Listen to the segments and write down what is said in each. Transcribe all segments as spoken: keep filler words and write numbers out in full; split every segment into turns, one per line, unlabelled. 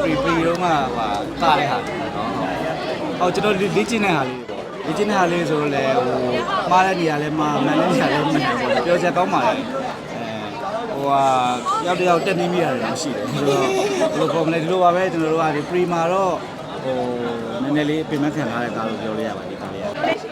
pre pre တော့မှဟာကားတဲ့ဟာနော်ဟောကျွန်တော်လေ့ကျင့်တဲ့ဟာလေးပေါ့လေ့ကျင့်တဲ့ဟာလေးဆိုတော့လေဟိုမှားတဲ့နေရာလဲမှားမှန်တဲ့နေရာလဲမှန်တယ်ပေါ့ပြောချက်ကောင်းပါလေဟိုဟာရောက်တယောက်တက်နေမိရတယ်မရှိတယ်ဆိုတော့ဘယ်လိုပုံလဲဒီလိုပါပဲကျွန်တော်တို့ကဒီ pre မှာတော့ဟိုနည်းနည်းလေးပြင်မခံထားတဲ့ကားလို့ပြောလို့ရပါဒီကားလေးက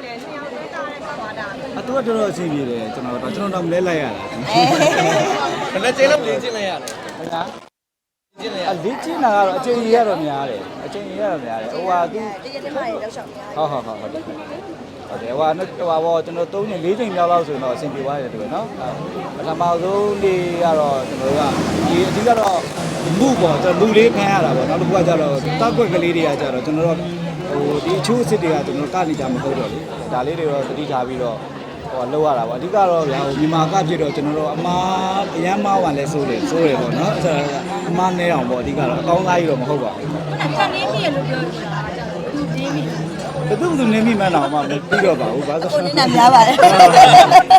အတူတူတော့အဆင်ပြေတယ်ကျွန်တော်တော့ကျွန်တော်တော့မလဲလိုက်ရတာဘယ်နဲ့ကျင်းလို့ပြင်ကျင်းလိုက်ရတယ်ဟုတ်လားကျင်းလိုက်ရလေ့ကျင့်တာကတော့အချိန်ကြီးရတော့များတယ်အချိန်ကြီးရတော့များတယ်ဟိုဟာသူတကယ်တည်းမှလည်းလောက်ရှောက်များဟုတ်ဟုတ်ဟုတ်ဟုတ်တယ်ဟုတ်တယ်ဟိုဟာဟိုဟာဘောကျွန်တော်သုံးချိန်လေးချိန်မြောက်လောက်ဆိုတော့အဆင်ပြေသွားတယ်တူပဲနော်ပထမဆုံးနေ့ကတော့ကျွန်တော်တို့ကဒီအဓိကတော့မှုပေါ့ကျွန်တော်လူလေးခံရတာပေါ့နောက်တစ်ခုကကျတော့တောက်ွက်ကလေးတွေကကျတော့ကျွန်တော်တို့ဟိုဒီအချိုးအစ်စ်တွေကကျွန်တော်ကနေကြမဟုတ်တော့လေဒါလေးတွေတော့သတိထားပြီးတော့ဟိုလောက်ရတာပေါ့အဓိကတော့ဗျာဟိုမြန်မာကဖြစ်တော့ကျွန်တော်တို့အမားအရန်မားဝင်လဲစိုးတယ်စိုးတယ်ပေါ့နော်အဲ့ဒါအမားနဲအောင်ပေါ့အဓိကတော့အကောင်းသားကြီးတော့မဟုတ်ပါဘူးချက်နေမိရလို့ပြောနေတာသူနေမိဘယ်သူမှနေမိမှန်းတော့မှမပြီးတော့ပါဘူးဘာလို့ဆိုတော့နေများပါတယ်ဟုတ်ပါဘူး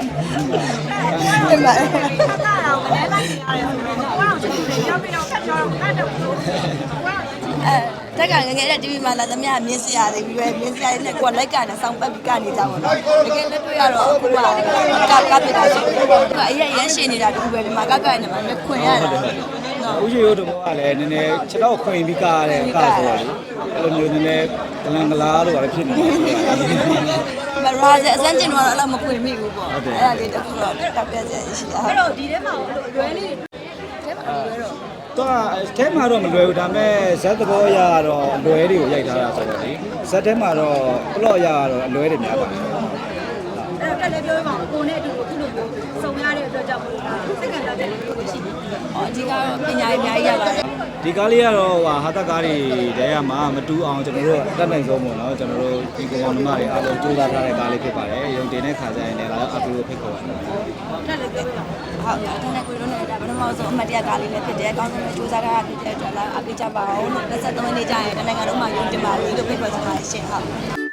တာတော့မလဲလိုက်နေရတယ်ဟိုကတော့ကျွန်တော်ရောက်ပြီးတော့ခက်ကြောတော့ခက်တော့
အဲတက်ကငငယ်တဲ့ တီဗီ မှာလာသမျှမြင်စရာတွေပြီးပဲမြင်စရာတွေနဲ့ကိုယ်လိုက်ကနေစောင်းပတ်ပြီးကနေကြပါတော့တကယ်လက်တွေ့ရတော့အခုကကကပြတာရှိတယ်သူကအရင်ရမ်းရှင်းနေတာတူပဲဒီမှာကကနဲ့မှခွင်ရတာ
ဦးရှိရိုးတို့ကလည်းနည်းနည်းခြေတော့ခွင်ပြီးကားတဲ့ကားဆိုတော့အဲ့လိုမျိုးနည်းနည်းကလန်ကလားလို့လည်းဖြစ်နေတယ်
မရာဇအစမ်းကျင်တော့အဲ့လိုမခွင်မိဘူးပေါ့အဲ့ဒါလေးတခုတော့တက်ပြည့်စရာရှိတာ
အဲ့တော့ဒီထဲမှာလွယ်လေးထဲမှာလွယ်တော့
တော့အဲမှာတော့မလွယ်ဘူးဒါပေမဲ့ဇက်သဘောအရတော့အလွယ်တွေကိုရိုက်ထားတာဆိုတော့လေဇက်ထဲမှာတော့ပလော့အရကတော့အလွယ်တွေများပါတယ်
အဲ့တော့တက်လည်းပြောရအောင်ကိုနဲ့အတူအခုလိုမျိုးစုံရတဲ့အတွက်ကြောင့်မို့လားစိတ်ကံတက်တယ်လို့ပြောရှိတယ်
ဟောအဓိကတော့ပညာရေးအများကြီးရပါတယ်
ဒီကားလေးကတော့ဟာဟာတက်ကားတွေတဲရမှာမတူအောင်ကျွန်တော်တို့တက်နိုင်ဆုံးပေါ့နော်ကျွန်တော်တို့ဒီကောင်မတွေအားလုံးကြိုးစားထားတဲ့ကားလေးဖြစ်ပါတယ်ရုံတင်တဲ့ခါကျရင်လည်းအပလိုဖိတ်ခေါ်ပါတယ်
တက်လည်းပြောရအောင်
ဟုတ်တယ်ကိုတို့နဲ့ဒါပထမဆုံးအမှတ်တရကားလေးလည်းဖြစ်တယ်အကောင်းဆုံးစူးစမ်းထားတာဖြစ်တဲ့အတွက်လည်းအပိကြပါအောင်လို့၂၃ရက်နေ့ကျရင်တနင်္ဂနွေမှာရုံတင်ပါလိမ့်လို့ဖိတ်ခေါ်ချင်ပါတယ်ရှင်ဟုတ်